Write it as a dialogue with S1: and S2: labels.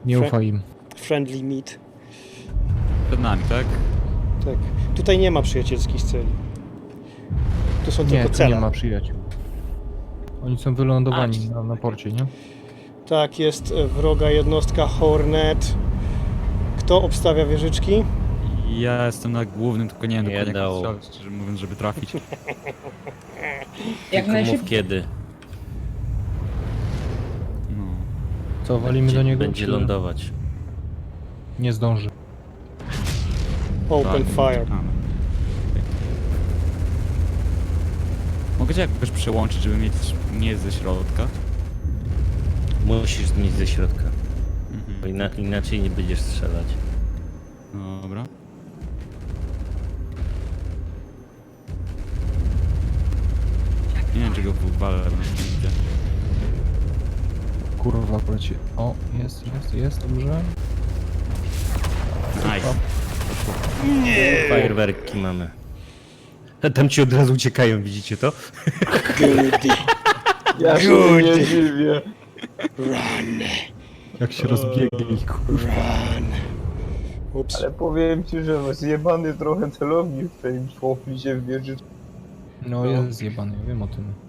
S1: Nie ufaj im.
S2: Friendly meat.
S3: Przed nami, tak?
S2: Tak. Tutaj nie ma przyjacielskich celi. Tu są
S1: Nie,
S2: tylko
S1: tu
S2: cele.
S1: nie ma przyjaciół. Oni są wylądowani na porcie, nie?
S2: Tak, jest wroga jednostka Hornet. Kto obstawia wieżyczki?
S3: Ja jestem na głównym, tylko nie wiem dokładnie jak
S4: dało.
S3: strzelać, szczerze mówiąc, żeby trafić.
S5: Jak
S4: Tylko mów
S5: najszybciej.
S4: kiedy.
S3: No.
S1: Co, walimy do niego?
S4: Będzie
S1: czy
S4: lądować.
S1: Nie zdąży.
S2: Open
S3: Tak,
S2: fire.
S3: czekamy. Okej. Mogę cię jakoś przełączyć, żeby mieć nie ze środka?
S4: Musisz mieć ze środka. Bo
S3: Mhm.
S4: inaczej nie będziesz strzelać.
S3: Dobra. Nie wiem, czego walę, bo nie widzę.
S1: Kurwa, poleci. O, jest, dobrze.
S3: Nice.
S4: Fajerwerki mamy. A tam ci od razu uciekają, widzicie to?
S2: Goody.
S6: Ja się
S2: Good.
S6: nie dziwię.
S2: Run.
S1: Jak się rozbiegnie ich, kurwa.
S2: Run. Ups.
S6: Ale powiem ci, że zjebany trochę celownik w tym szłoplicie w wieży.
S1: No jest zjebany, ja wiem o tym.